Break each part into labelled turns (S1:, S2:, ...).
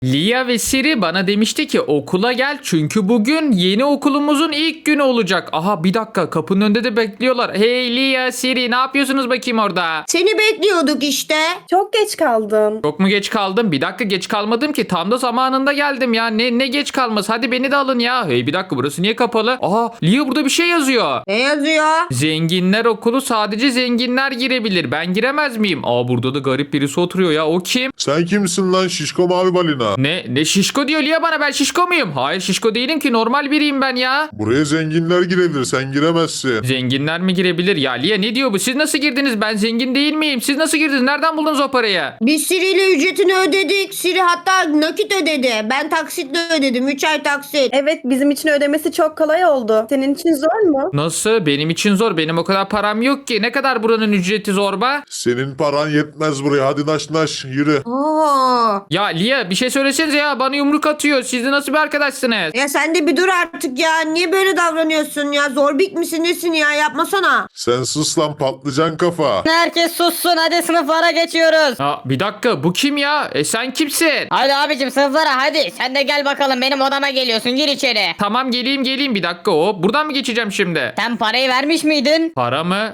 S1: Lia ve Siri bana demişti ki okula gel çünkü bugün yeni okulumuzun ilk günü olacak. Aha bir dakika kapının önünde de bekliyorlar. Hey Lia, Siri ne yapıyorsunuz bakayım orada?
S2: Seni bekliyorduk işte.
S3: Çok geç kaldın.
S1: Çok mu geç kaldım? Bir dakika geç kalmadım ki. Tam da zamanında geldim ya. Ne geç kalması? Hadi beni de alın ya. Hey bir dakika burası niye kapalı? Aha Lia burada bir şey yazıyor.
S2: Ne yazıyor?
S1: Zenginler okulu sadece zenginler girebilir. Ben giremez miyim? Aa burada da garip birisi oturuyor ya. O kim?
S4: Sen kimsin lan şişko mavi balina?
S1: Ne şişko diyor Lia bana. Ben şişko muyum? Hayır şişko değilim ki. Normal biriyim ben ya.
S4: Buraya zenginler girebilir, sen giremezsin.
S1: Zenginler mi girebilir? Ya Lia ne diyor bu? Siz nasıl girdiniz? Ben zengin değil miyim? Siz nasıl girdiniz? Nereden buldunuz o parayı?
S2: Biz Siri ile ücretini ödedik. Siri hatta nakit ödedi. Ben taksitle ödedim. 3 ay taksit.
S3: Evet, bizim için ödemesi çok kolay oldu. Senin için zor mu?
S1: Nasıl? Benim için zor. Benim o kadar param yok ki. Ne kadar buranın ücreti zorba?
S4: Senin paran yetmez buraya, hadi naş naş yürü.
S2: Oo.
S1: Ya Lia bir şey söylesenize ya. Bana yumruk atıyor. Siz de nasıl bir arkadaşsınız?
S2: Ya sen de bir dur artık ya. Niye böyle davranıyorsun ya? Zorbik misin nesin ya? Yapmasana.
S4: Sen sus lan patlıcan kafa.
S5: Herkes sussun, hadi sınıflara geçiyoruz.
S1: Ha, bir dakika bu kim ya? Sen kimsin?
S5: Hadi abicim sınıflara hadi. Sen de gel bakalım, benim odama geliyorsun, gir içeri.
S1: Tamam geleyim bir dakika o. Buradan mı geçeceğim şimdi?
S5: Sen parayı vermiş miydin?
S1: Para mı?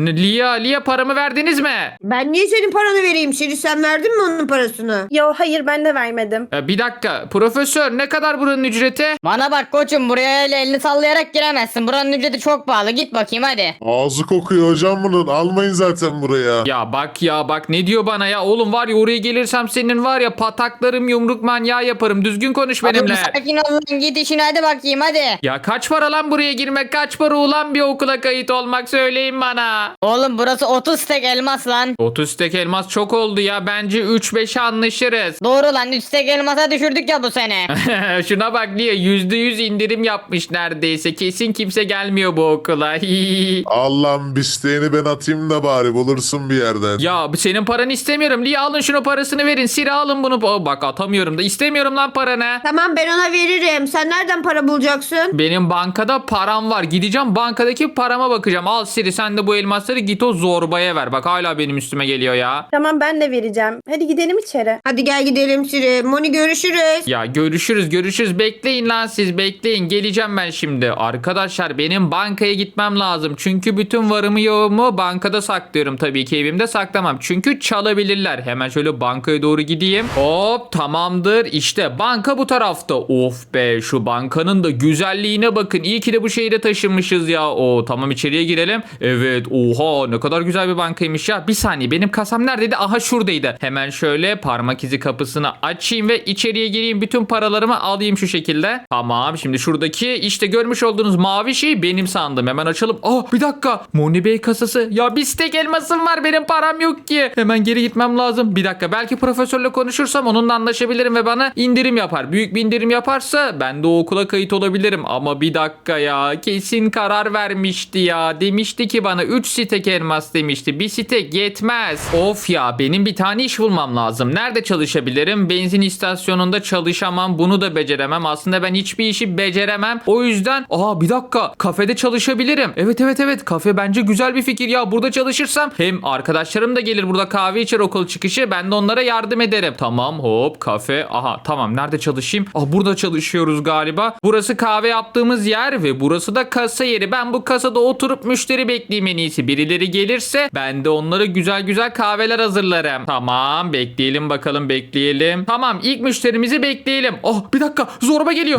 S1: Lia paramı verdiniz mi?
S2: Ben niye senin paranı vereyim? Siri sen verdin mi onun parasını?
S3: Yo, hayır, ben de vermedim.
S1: Bir dakika profesör ne kadar buranın ücreti?
S5: Bana bak koçum, buraya öyle elini sallayarak giremezsin. Buranın ücreti çok pahalı, git bakayım hadi.
S4: Ağzı kokuyor hocam bunun, almayın zaten buraya.
S1: Ya bak ne diyor bana ya? Oğlum var ya oraya gelirsem senin var ya pataklarım yumruk manyağı yaparım. Düzgün konuş benimle.
S5: Oğlum sakin ol lan, git işine hadi bakayım hadi.
S1: Ya kaç para lan buraya girmek? Kaç para ulan bir okula kayıt olmak söyleyin bana.
S5: Oğlum burası 30 tek elmas lan.
S1: 30 tek elmas çok oldu ya. Bence 3-5'e anlaşırız.
S5: Doğru lan, 3 tek elmasa düşürdük ya bu sene.
S1: Şuna bak Lia %100 indirim yapmış neredeyse. Kesin kimse gelmiyor bu okula.
S4: Allah'ım bisteğini ben atayım da bari bulursun bir yerden.
S1: Ya senin paranı istemiyorum. Lia alın şunu parasını verin. Siri alın bunu. Bak atamıyorum da. İstemiyorum lan paranı.
S2: Tamam ben ona veririm. Sen nereden para bulacaksın?
S1: Benim bankada param var. Gideceğim bankadaki parama bakacağım. Al Siri sen de bu elmasları git o zorbaya ver. Bak hala benim üstüme geliyor ya.
S3: Tamam, ben de vereceğim. Hadi gidelim içeri.
S2: Hadi gel gidelim Siri. Moni görüşürüz.
S1: Ya görüşürüz. Bekleyin lan siz bekleyin. Geleceğim ben şimdi. Arkadaşlar benim bankaya gitmem lazım. Çünkü bütün varımı yoğumu bankada saklıyorum. Tabii ki evimde saklamam. Çünkü çalabilirler. Hemen şöyle bankaya doğru gideyim. Hop tamamdır. İşte banka bu tarafta. Of be şu bankanın da güzelliğine bakın. İyi ki de bu şehire taşınmışız ya. O tamam içeriye girelim. Evet oha ne kadar güzel bir bankaymış ya. Bir saniye benim kasam neredeydi? Aha şuradaydı. Hemen şöyle parmak izi kapısını açayım ve içeriye gireyim. Bütün paralarımı alayım şu şekilde. Tamam şimdi şuradaki işte görmüş olduğunuz mavi şey benim sandım. Hemen açalım. Bir dakika. Moni Bey kasası. Ya bir stek elmasım var benim param yok ki. Hemen geri gitmem lazım. Bir dakika belki profesörle konuşursam onunla anlaşabilirim ve bana indirim yapar. Büyük bir indirim yaparsa ben de o okula kayıt olabilirim. Ama bir dakika ya kesin karar vermişti ya. Demişti ki bana 3 stek elmas demişti. Bir stek yetmez. Of ya benim bir tane iş bulmam lazım. Nerede çalışabilirim? Benzin istasyonunda çalışamam. Bunu da beceremem. Aslında ben hiçbir işi beceremem. O yüzden bir dakika kafede çalışabilirim. Evet kafe bence güzel bir fikir ya. Burada çalışırsam hem arkadaşlarım da gelir burada kahve içer okul çıkışı. Ben de onlara yardım ederim. Tamam hop kafe. Aha tamam nerede çalışayım? Burada çalışıyoruz galiba. Burası kahve yaptığımız yer ve burası da kasa yeri. Ben bu kasada oturup müşteri bekleyeyim en iyisi. Birileri gelirse ben de onlara güzel kahveler hazırlarım. Tamam bekleyelim bakalım bekleyelim. Tamam ilk müşterimizi bekleyelim. Bir dakika zorba geliyor.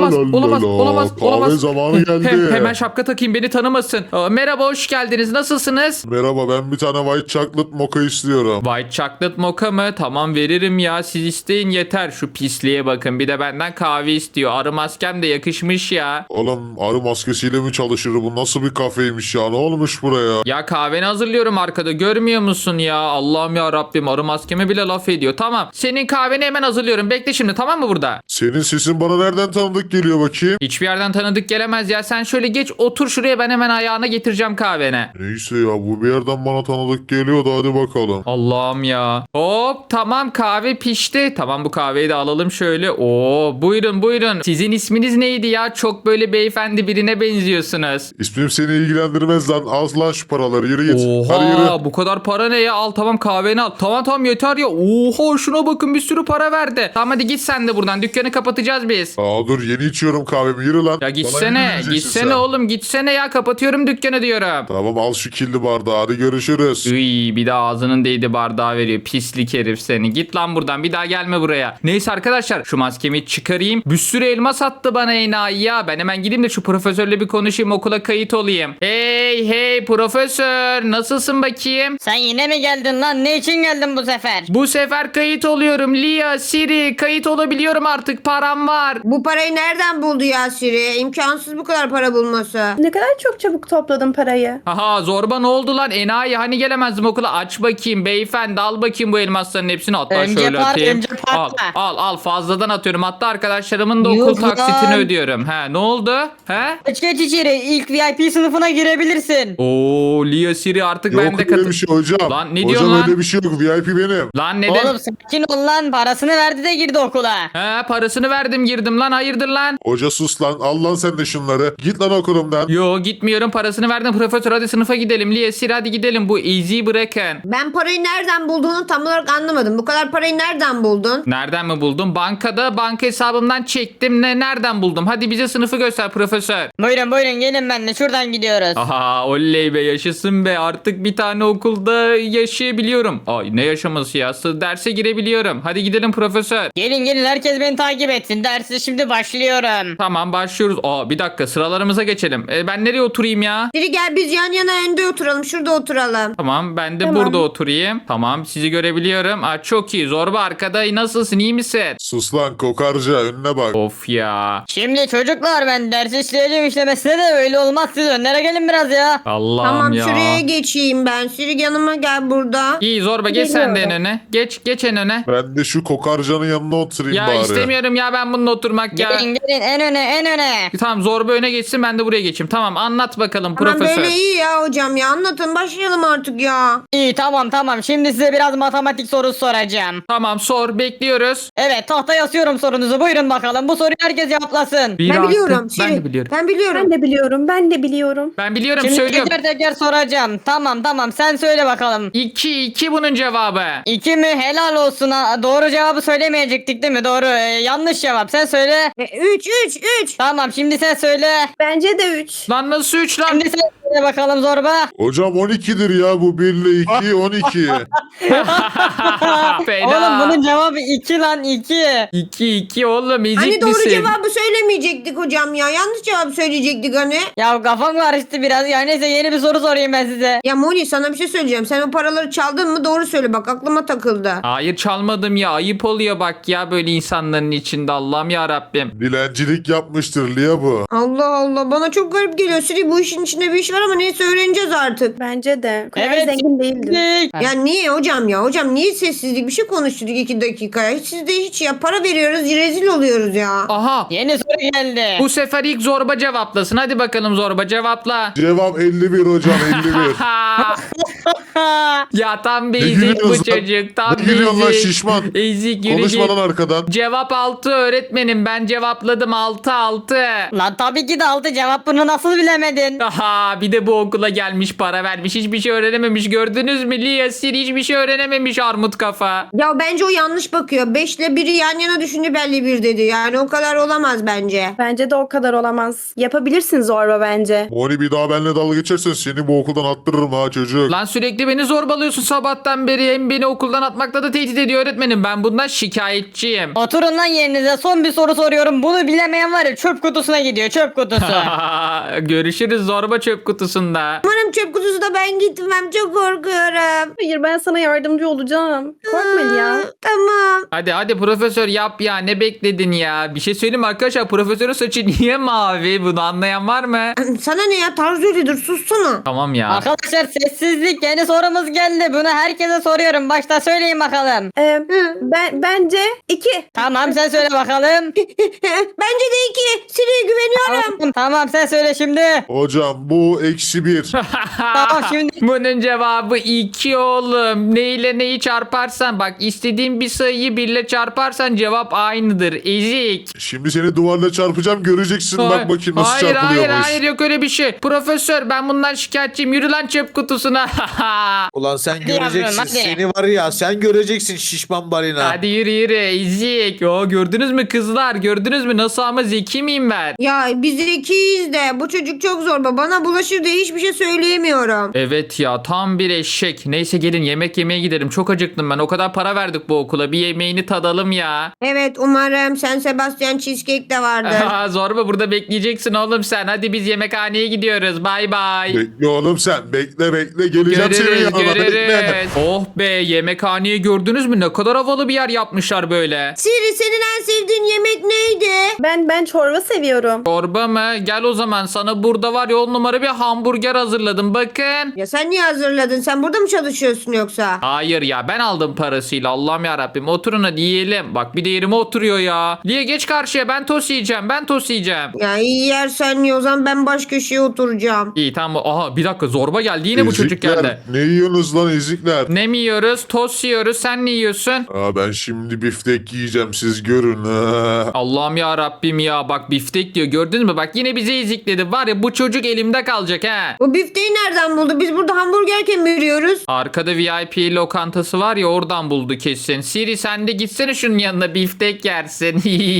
S1: Olamaz.
S4: Kahve zamanı geldi.
S1: Hemen şapka takayım beni tanımasın. Merhaba hoş geldiniz nasılsınız?
S4: Merhaba, ben bir tane white chocolate mocha istiyorum.
S1: White chocolate mocha mı? Tamam veririm ya siz isteyin yeter. Şu pisliğe bakın bir de benden kahve istiyor. Arı maskem de yakışmış ya.
S4: Oğlum arı maskesiyle mi çalışır, bu nasıl bir kafeymiş ya, ne olmuş buraya?
S1: Ya kahveni hazırlıyorum arkada görmüyor musun ya? Allah'ım ya Rabbim arı maskeme bile laf ediyor. Tamam senin kahveni hemen hazırlıyorum. Bekle şimdi tamam mı burada?
S4: Senin sesin bana nereden tanıdık geliyor bakayım?
S1: Hiçbir yerden tanıdık gelemez ya. Sen şöyle geç otur şuraya ben hemen ayağına getireceğim kahvene.
S4: Neyse ya, bu bir yerden bana tanıdık geliyor da hadi bakalım.
S1: Allah'ım ya. Hop tamam kahve pişti. Tamam bu kahveyi de alalım şöyle. Buyurun. Sizin isminiz neydi ya? Çok böyle beyefendi birine benziyorsunuz.
S4: İsmim seni ilgilendirmez lan, al lan şu paraları, yürü git. Hadi yürü.
S1: Oha bu kadar para ne ya? Al tamam kahveni al. Tamam yeter ya. Oha şuna bakın bir sürü para verdi. Tamam hadi git sen de buradan. Dükkanı kapatacağız biz.
S4: Aa dur yeni içiyorum kahvemi yürü lan.
S1: Ya
S4: Bana
S1: gitsene.
S4: yürü diyeceksin
S1: Gitsene
S4: sen.
S1: oğlum. Gitsene ya. Kapatıyorum dükkanı diyorum.
S4: Tamam al şu kirli bardağı hadi görüşürüz.
S1: Üy, bir de ağzının değdi bardağı veriyor. Pislik herif seni. Git lan buradan. Bir daha gelme buraya. Neyse arkadaşlar şu maskemi çıkarayım. Bir sürü elma sattı bana enayi ya. Ben hemen gideyim de şu profesörle bir konuşayım. Okula kayıt olayım. Hey profesör. Nasılsın bakayım?
S5: Sen yine mi geldin lan? Ne için geldin bu sefer?
S1: Bu sefer kayıt oluyorum. Lia, Siri kayıt olabiliyorum artık. Param var.
S2: Bu parayı nereden buldu ya Siri? İmkansız bu kadar para bulması.
S3: Ne kadar çok çabuk topladın parayı.
S1: Haha zorba ne oldu lan? Enayi hani gelemezdim okula. Aç bakayım beyefendi. Al bakayım bu elmasların hepsini. Hatta
S5: Önce
S1: şöyle
S5: par,
S1: atayım.
S5: önce patla.
S1: Al fazladan atıyorum. Hatta arkadaşlarımın da
S5: Yuh
S1: okul taksitini
S5: lan.
S1: ödüyorum. He ne oldu? He?
S5: Geç içeri. İlk VIP sınıfına girebilirsin.
S1: Oo Lia Siri artık
S4: Yok
S1: ben de
S4: öyle bir şey hocam.
S1: Lan ne diyorsun
S4: hocam
S1: lan?
S4: öyle bir şey yok VIP benim.
S1: Lan neden?
S5: Oğlum sakin ol lan. Parasını verdi de girdi okula.
S1: He parasını verdim girdim lan hayırdır lan?
S4: Hoca sus lan al lan sen de şunları. Git lan okulumdan.
S1: Yo gitmiyorum parasını verdim profesör hadi sınıfa gidelim. Lia Siri hadi gidelim bu easy bırakın.
S2: Ben parayı nereden bulduğunu tam olarak anlamadım. Bu kadar parayı nereden buldun?
S1: Nereden mi buldum? Bankada banka hesabımdan çektim. Nereden buldum? Hadi bize sınıfı göster profesör.
S5: Buyurun gelin benimle. Şuradan gidiyoruz.
S1: Aha oley be yaşasın be artık bir tane okulda yaşayabiliyorum. Ay ne yaşaması ya derse girebiliyorum. Hadi gidelim profesör.
S5: Gelin herkes beni takip etsin. Dersi şimdi başlıyorum.
S1: Tamam başlıyoruz. Aa bir dakika sıralarımıza geçelim. Ben nereye oturayım ya?
S2: Siri gel biz yan yana önde oturalım. Şurada oturalım.
S1: Tamam ben de
S3: Tamam.
S1: burada oturayım. Tamam sizi görebiliyorum. Aa, çok iyi zorba arkada nasılsın iyi misin?
S4: Sus lan kokarca önüne bak.
S1: Of ya.
S5: Şimdi çocuklar ben dersi işleyeceğim işlemesine de öyle olmaz. Siz önlere gelin biraz ya.
S1: Allah'ım
S2: Tamam
S1: ya.
S2: şuraya geçeyim ben. Siri yanıma gel burada.
S1: İyi zorba geç sen de en
S3: Geliyorum.
S1: öne. Geç en öne.
S4: Ben de şu kokarcanın yanına oturayım
S1: Ya
S4: bari.
S1: istemiyorum ya ben bununla oturmak ya.
S5: Gelin en öne.
S1: Tamam zorba öne geçsin ben de buraya geçeyim. Tamam anlat bakalım
S2: Tamam
S1: profesör.
S2: böyle iyi ya hocam ya. Anlatın başlayalım artık ya.
S5: İyi tamam. Şimdi size biraz matematik sorusu soracağım.
S1: Tamam sor bekliyoruz.
S5: Evet tahtaya asıyorum sorunuzu. Buyurun bakalım. Bu soruyu herkes cevaplasın.
S1: Bir
S2: Ben
S1: artı-
S2: biliyorum. Siri.
S1: Ben de biliyorum.
S2: Ben biliyorum.
S3: Ben de biliyorum.
S1: Ben biliyorum
S5: Şimdi
S1: söylüyorum.
S5: teker soracağım. Tamam sen söyle bakalım.
S1: 2 bunun cevabı.
S5: 2 mi? Helal olsun. Ha. Doğru cevabı söylemeyecektik değil mi? Doğru. Yanlış cevap. Sen söyle.
S2: 3.
S5: Tamam şimdi sen söyle.
S3: Bence de 3.
S1: Lan nasıl 3 lan?
S5: Şimdi sen söyle bakalım zorba.
S4: Hocam 12'dir ya bu 1 ile 2 12.
S1: Fena.
S5: Oğlum bunun cevabı 2 lan 2.
S1: 2 oğlum ezik
S2: Hani doğru
S1: misin?
S2: cevabı söylemeyecektik hocam ya. Yanlış cevap söyleyecektik hani.
S5: Ya kafam karıştı biraz. Ya neyse yeni bir soru sorayım ben size.
S2: Ya Moni sana bir şey söyleyeceğim. Sen o paraları çaldın mı doğru söyle bak aklıma takıldı.
S1: Hayır çalmadım ya ayıp oluyor bak ya böyle insanların içinde Allah'ım ya Rabbim.
S4: Dilencilik yapmıştır Lia bu.
S2: Allah Allah bana çok garip geliyor. Siri bu işin içinde bir iş var ama neyse öğreneceğiz artık.
S3: Bence de. O kadar
S5: Evet.
S3: zengin değildim.
S2: Ya niye hocam ya? Hocam niye sessizlik? Bir şey konuştuk 2 dakikaya. Siz de hiç ya para veriyoruz rezil oluyoruz ya.
S1: Aha
S5: Yeni soru geldi.
S1: bu sefer ilk zorba cevaplasın hadi bakalım zorba cevapla.
S4: Cevap 51 hocam 51.
S1: Ya tam bir
S4: Ne
S1: ezik bu
S4: gülüyorsun lan?
S1: çocuk tam
S4: Ne gülüyorsun lan
S1: bir ezik.
S4: şişman?
S1: Ezik yürü
S4: Konuşma
S1: git.
S4: lan arkadan.
S1: Cevap 6 öğretmenim ben cevapladım 6.
S5: Lan tabii ki de aldı cevap, bunu nasıl bilemedin?
S1: Aha bir de bu okula gelmiş para vermiş hiçbir şey öğrenememiş gördünüz mü Lia Siri hiçbir şey öğrenememiş armut kafa.
S2: Ya bence o yanlış bakıyor. 5 ile 1'i yan yana düşündü belli bir dedi. Yani o kadar olamaz bence.
S3: Bence de o kadar olamaz. Yapabilirsin zorba bence.
S4: Moni bir daha benimle dalga geçersen seni bu okuldan attırırım ha çocuk.
S1: Lan sürekli beni zorbalıyorsun sabahtan beri hem beni okuldan atmakla da tehdit ediyor öğretmenim ben bundan şikayetçiyim.
S5: Oturun lan yerinize, son bir soru soruyorum. Bunu bilemeyen var ya çöp kutusuna gidiyor, çöp kutusu.
S1: Görüşürüz zorba çöp kutusunda.
S2: Umarım çöp kutusuna ben gitmem. Çok korkuyorum.
S3: Hayır, ben sana yardımcı olacağım. Korkma ya.
S2: Tamam.
S1: Hadi profesör yap ya ne bekledin ya. Bir şey söyleyeyim mi arkadaşlar profesörün saçı niye mavi bunu anlayan var mı?
S2: Sana ne ya tarz öyledir sussana.
S1: Tamam ya.
S5: Arkadaşlar sessizlik, yeni sorumuz geldi. Bunu herkese soruyorum. Başta söyleyin bakalım.
S3: Bence 2.
S5: Tamam sen söyle bakalım.
S2: Bence de 2. Siri'ye güveniyorum.
S5: Tamam sen söyle şimdi.
S4: Hocam bu -1.
S5: Tamam şimdi.
S1: Bunun cevabı 2 oğlum. Neyle neyi çarparsan bak istediğin bir sayıyı birle çarparsan cevap aynıdır. Ezik.
S4: Şimdi seni duvarla çarpacağım göreceksin. Bak bakayım nasıl
S1: hayır,
S4: çarpılıyormuş.
S1: hayır yok öyle bir şey. Profesör ben bundan şikayetçiyim. Yürü lan çöp kutusuna.
S6: Ulan sen
S5: Hadi yavrum,
S6: göreceksin.
S5: hadi.
S6: Seni var ya sen göreceksin şişman balina.
S1: Hadi yürü ezik. Gördünüz mü kızlar? Gördünüz mü nasıl ama zeki miyim ben?
S2: Ya biz zekiyiz de bu çocuk çok zorba. Bana bulaşır diye hiçbir şey söyleyemiyorum.
S1: Evet ya tam bir eşek. Neyse gelin yemek yemeye gidelim. Çok acıktım ben. O kadar para verdik bu okula. Bir yemeğini tadalım ya.
S2: Evet umarım San Sebastian cheesecake de vardır.
S1: Zorba burada bekleyeceksin oğlum sen. Hadi biz yemekhaneye gidiyoruz. Bay bay.
S4: Bekle oğlum sen. Bekle geleceğim senin
S1: Görürüz
S4: yanına. Bekle.
S1: görürüz. Oh be yemekhaneyi gördünüz mü? Ne kadar havalı bir yer yapmışlar böyle.
S2: Siri senin en sevdiğin yemek neydi?
S3: Ben çorba seviyorum.
S1: Çorba mı? Gel o zaman sana burada var ya 10 numara bir hamburger hazırladım. Bakın.
S2: Ya sen niye hazırladın? Sen burada mı çalışıyorsun yoksa?
S1: Hayır ya ben aldım parasıyla Allah'ım yarabbim. Oturun hadi yiyelim. Bak bir de yerime oturuyor ya. Liye geç karşıya ben tost yiyeceğim. Ben tost yiyeceğim.
S2: Ya iyi yersen ye o zaman ben baş köşeye oturacağım.
S1: İyi tamam. Aha bir dakika zorba geldi. Yine bu çocuk
S4: Ezikler,
S1: geldi.
S4: Ne yiyorsunuz lan ezikler?
S1: Ne mi yiyoruz? Tost yiyoruz. Sen ne yiyorsun?
S4: Aa, ben şimdi biftek yiyeceğim siz görün. Ha.
S1: Allah'ım ya Rabbim ya. Bak biftek diyor. Gördün mü? Bak yine bizi ezikledi. Var ya bu çocuk elimde kalacak ha.
S2: Bu bifteyi nereden buldu? Biz burada hamburgerken mi yürüyoruz?
S1: Arkada VIP lokantası var ya oradan buldu kesin. Siri sen de gitsene şunun yanına biftek yersin.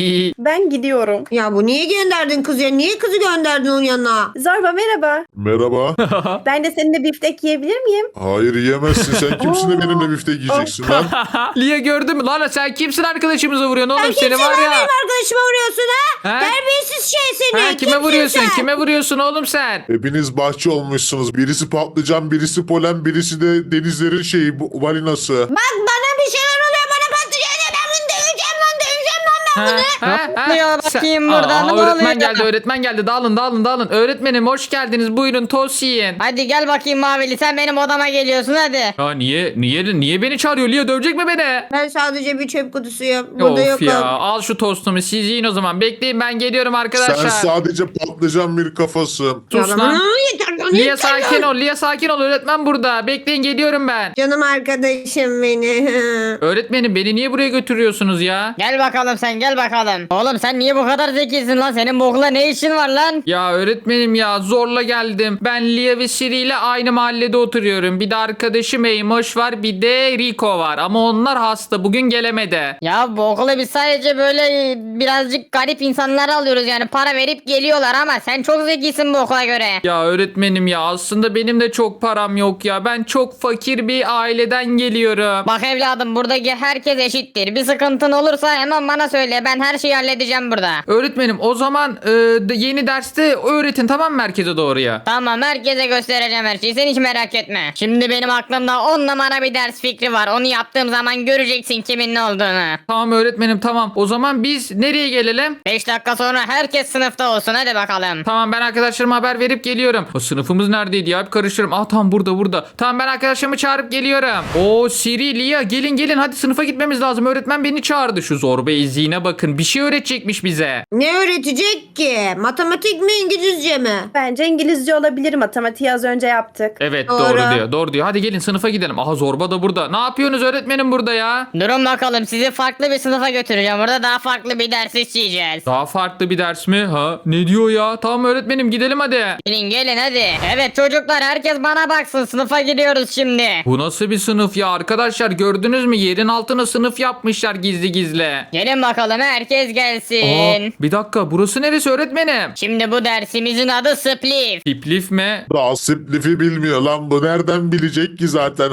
S3: Ben gidiyorum.
S2: Ya bu niye gönderdin kız ya? Niye kızı gönderdin onun yanına?
S3: Zorba merhaba.
S4: Merhaba.
S3: Ben de seninle biftek yiyebilir miyim?
S4: Hayır yiyemezsin. Sen kimsin de benimle biftek yiyeceksin lan?
S1: Lia gördün mü? Lan sen kimsin arkadaşımıza vuruyorsun oğlum?
S2: Sen
S1: Seni
S2: kimsin
S1: var
S2: lan
S1: ya.
S2: benim arkadaşıma vuruyorsun ha?
S1: Ha?
S2: Terbiyesiz şey seni.
S1: Ha, kime
S2: Kimsin
S1: vuruyorsun?
S2: sen?
S1: Kime vuruyorsun oğlum sen?
S4: Hepiniz bahçe olmuşsunuz. Birisi patlıcan, birisi polen, birisi de denizlerin şeyi bu balinası.
S2: Bak bana bir şeyler oluyor. Bana patlayacak diye ben bunu döveceğim lan. Döveceğim lan ben bunu.
S5: Ne oluyor bakayım burada, ne
S1: öğretmen
S5: oluyor?
S1: geldi öğretmen geldi. Dağılın. Öğretmenim hoş geldiniz. Buyurun tost yiyin.
S5: Hadi gel bakayım Mavili, sen benim odama geliyorsun hadi.
S1: Ya niye beni çağırıyor? Lia dövecek mi beni?
S2: Ben sadece bir çöp kutusuyum. Burada
S1: Of
S2: yokum.
S1: ya al şu tostumu siz yiyin o zaman. Bekleyin ben geliyorum arkadaşlar.
S4: Sen sadece patlıcan bir kafasın.
S1: Sus
S2: Ya
S1: lan.
S2: bana yeter lan,
S1: Lia
S2: yeter
S1: sakin
S2: lan.
S1: ol. Lia sakin ol. Öğretmen burada. Bekleyin geliyorum ben.
S2: Canım arkadaşım beni.
S1: Öğretmenim beni niye buraya götürüyorsunuz ya?
S5: Gel bakalım sen, gel bakalım. Oğlum sen niye bu kadar zekisin lan? Senin bu okula ne işin var lan?
S1: Ya öğretmenim ya zorla geldim. Ben Lia ve Siri ile aynı mahallede oturuyorum. Bir de arkadaşım Eymoş var bir de Rico var. Ama onlar hasta bugün gelemedi.
S5: Ya bu okula biz sadece böyle birazcık garip insanları alıyoruz, yani para verip geliyorlar ama sen çok zekisin bu okula göre.
S1: Ya öğretmenim ya aslında benim de çok param yok ya. Ben çok fakir bir aileden geliyorum.
S5: Bak evladım, buradaki herkes eşittir. Bir sıkıntın olursa hemen bana söyle, ben her şeyi halledeceğim burada.
S1: Öğretmenim o zaman yeni derste öğretin tamam mı merkeze doğruya?
S5: Tamam, herkese göstereceğim her şeyi, sen hiç merak etme. Şimdi benim aklımda 10 numara bir ders fikri var. Onu yaptığım zaman göreceksin kimin ne olduğunu.
S1: Tamam öğretmenim tamam. O zaman biz nereye gelelim?
S5: 5 dakika sonra herkes sınıfta olsun, hadi bakalım.
S1: Tamam ben arkadaşlarıma haber verip geliyorum. O sınıfımız neredeydi ya? Hep karıştırırım. Ah tamam burada. Tamam ben arkadaşlarımı çağırıp geliyorum. Oo Siri, Lia gelin hadi sınıfa gitmemiz lazım. Öğretmen beni çağırdı. Şu zorba eziğine bakın. Bir şey öğretecekmiş bize.
S2: Ne öğretecek ki? Matematik mi İngilizce mi?
S3: Bence İngilizce olabilir. Matematiği az önce yaptık.
S1: Evet
S2: Doğru.
S1: doğru diyor. Hadi gelin sınıfa gidelim. Aha zorba da burada. Ne yapıyorsunuz öğretmenim burada ya?
S5: Durun bakalım, sizi farklı bir sınıfa götüreceğim. Orada daha farklı bir ders işleyeceğiz.
S1: Daha farklı bir ders mi? Ha? Ne diyor ya? Tamam öğretmenim gidelim hadi.
S5: Gelin hadi. Evet çocuklar, herkes bana baksın, sınıfa gidiyoruz şimdi.
S1: Bu nasıl bir sınıf ya? Arkadaşlar gördünüz mü? Yerin altına sınıf yapmışlar gizli.
S5: Gelin bakalım, herkes
S1: Aa,
S5: gelsin.
S1: bir dakika burası neresi öğretmenim?
S5: Şimdi bu dersimizin adı Spliff.
S1: Tiplif mi?
S4: Rasip bilmiyor lan bu. Nereden bilecek ki zaten?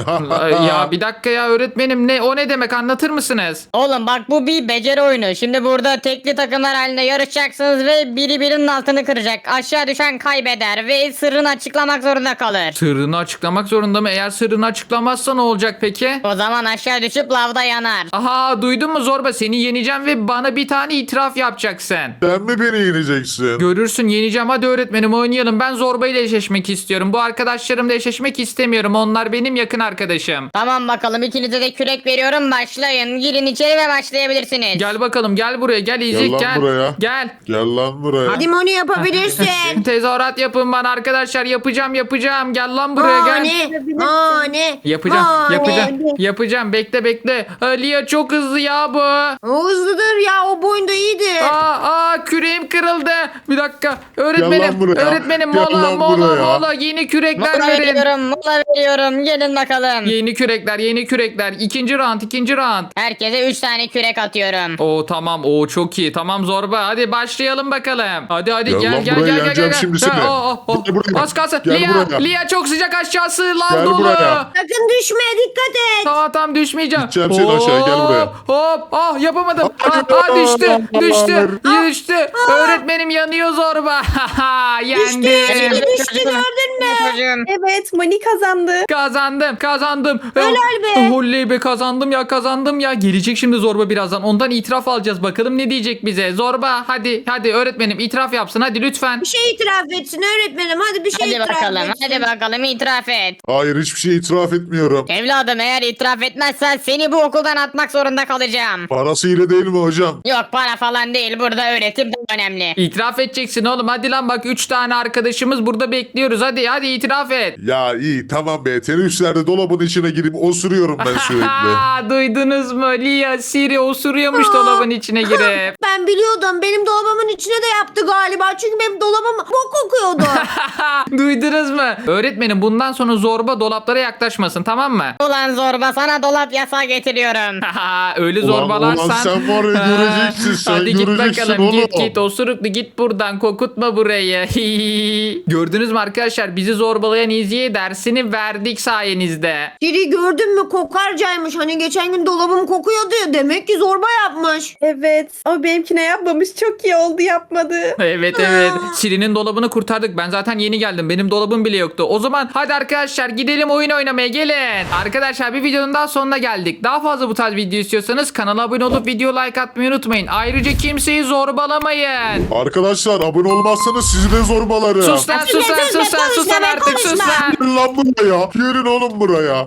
S1: Ya bir dakika ya öğretmenim o ne demek anlatır mısınız?
S5: Oğlum bak, bu bir beceri oyunu. Şimdi burada tekli takımlar halinde yarışacaksınız ve biri birinin altını kıracak. Aşağı düşen kaybeder ve sırrını açıklamak zorunda kalır.
S1: Sırrını açıklamak zorunda mı? Eğer sırrını açıklamazsa ne olacak peki?
S5: O zaman aşağı düşüp lavda yanar.
S1: Aha duydun mu zorba seni yeneceğim ve bana bir tane itiraf yapacaksın.
S4: Sen mi beni yeneceksin?
S1: Görürsün, yeneceğim. Hadi öğretmenim, oynayalım. Ben zorbayla eşleşmek istiyorum. Bu arkadaşlarımla eşleşmek istemiyorum. Onlar benim yakın arkadaşım.
S5: Tamam bakalım, ikinize de kürek veriyorum, başlayın. Girin içeri ve başlayabilirsiniz.
S1: Gel bakalım, gel buraya, gel İzik,
S4: lan
S1: gel.
S4: buraya.
S1: Gel.
S4: Gel lan buraya.
S2: Hadi Moni yapabilirsin.
S1: Tezahürat yapın bana arkadaşlar, yapacağım. Gel lan buraya, gel.
S2: Moni.
S1: Yapacağım. Bekle. Lia çok hızlı ya bu.
S2: O hızlıdır ya, o boyunda iyidir.
S1: Küreğim kırıldı. Bir dakika.
S4: Gel
S1: Öğretmenim.
S4: lan buraya.
S1: Öğretmenim,
S4: Gel
S1: mola
S4: lan buraya.
S1: mola. Yeni kürekler
S5: Mola
S1: verin.
S5: veriyorum. Gelin bakalım.
S1: Yeni kürekler. İkinci round.
S5: Herkese 3 tane kürek atıyorum.
S1: Oo tamam. Oo çok iyi. Tamam Zorba. Hadi başlayalım bakalım. Hadi
S4: Gel lan
S1: gel.
S4: buraya, yeneceğim şimdi seni. Gel buraya.
S1: Az kalsın.
S4: Gel buraya.
S1: Lia çok sıcak, aşağısı lav
S4: Gel
S1: dolu.
S4: buraya.
S2: Sakın düşme, dikkat et.
S1: Tamam düşmeyeceğim.
S4: Gideceğim seni aşağı, gel buraya.
S1: Hop. Yapamadım. Düştü. Öğretmenim yanıyor Zorba. Yendi.
S2: Düştü, gördün mü?
S5: Çocuğum.
S3: Evet, Moni kazandı.
S1: Kazandım.
S2: Helal be.
S1: Oley be, kazandım ya. Gelecek şimdi Zorba birazdan. Ondan itiraf alacağız. Bakalım ne diyecek bize. Zorba hadi öğretmenim itiraf yapsın. Hadi lütfen.
S2: Bir şey itiraf etsin öğretmenim. Hadi bir şey
S5: Hadi
S2: itiraf
S5: bakalım,
S2: etsin.
S5: hadi bakalım, itiraf et.
S4: Hayır, hiçbir şey itiraf etmiyorum.
S5: Evladım, eğer itiraf etmezsen seni bu okuldan atmak zorunda kalacağım.
S4: Parasıyla değil mi hocam?
S5: Yok, para falan değil, burada öğretim daha önemli.
S1: İtiraf edeceksin oğlum. Hadi lan, bak 3 tane arkadaşımız burada bekliyoruz. Hadi itiraf et.
S4: Ya iyi tamam be. Teneffüslerde dolabın içine girip osuruyorum ben sürekli.
S1: Duydunuz mu? Lia Siri osuruyormuş dolabın içine girip.
S2: Ben biliyordum. Benim dolabımın içine de yaptı galiba. Çünkü benim dolabım bok kokuyordu.
S1: Duydunuz mu? Öğretmenim bundan sonra Zorba dolaplara yaklaşmasın, tamam mı?
S5: Ulan Zorba, sana dolap yasağı getiriyorum.
S1: Öyle
S4: Ulan
S1: zorbalarsan.
S4: sen var ya, göreceksin sen,
S1: Hadi git
S4: göreceksin
S1: bakalım,
S4: oğlum.
S1: git osuruklu, git buradan, kokutma burayı. Gördünüz mü arkadaşlar, bizi zorbalayan İzi'ye dersini verdik sayenizde.
S2: Siri gördün mü, kokarcaymış. Hani geçen gün dolabım kokuyordu ya. Demek ki zorba yapmış.
S3: Evet, ama benimkine yapmamış. Çok iyi oldu, yapmadı.
S1: Evet. Siri'nin dolabını kurtardık. Ben zaten yeni geldim. Benim dolabım bile yoktu. O zaman hadi arkadaşlar gidelim oyun oynamaya, gelin. Arkadaşlar bir videonun daha sonuna geldik. Daha fazla bu tarz video istiyorsanız kanala abone olup video like atmayı unutmayın. Ayrıca kimseyi zorbalamayın.
S4: Arkadaşlar abone olmazsanız sizi de zorbalarım.
S1: Sus lan
S2: Konuşma,
S1: artık, sus
S2: konuşma.
S1: lan.
S4: Gelin lan buraya. Gelin oğlum buraya.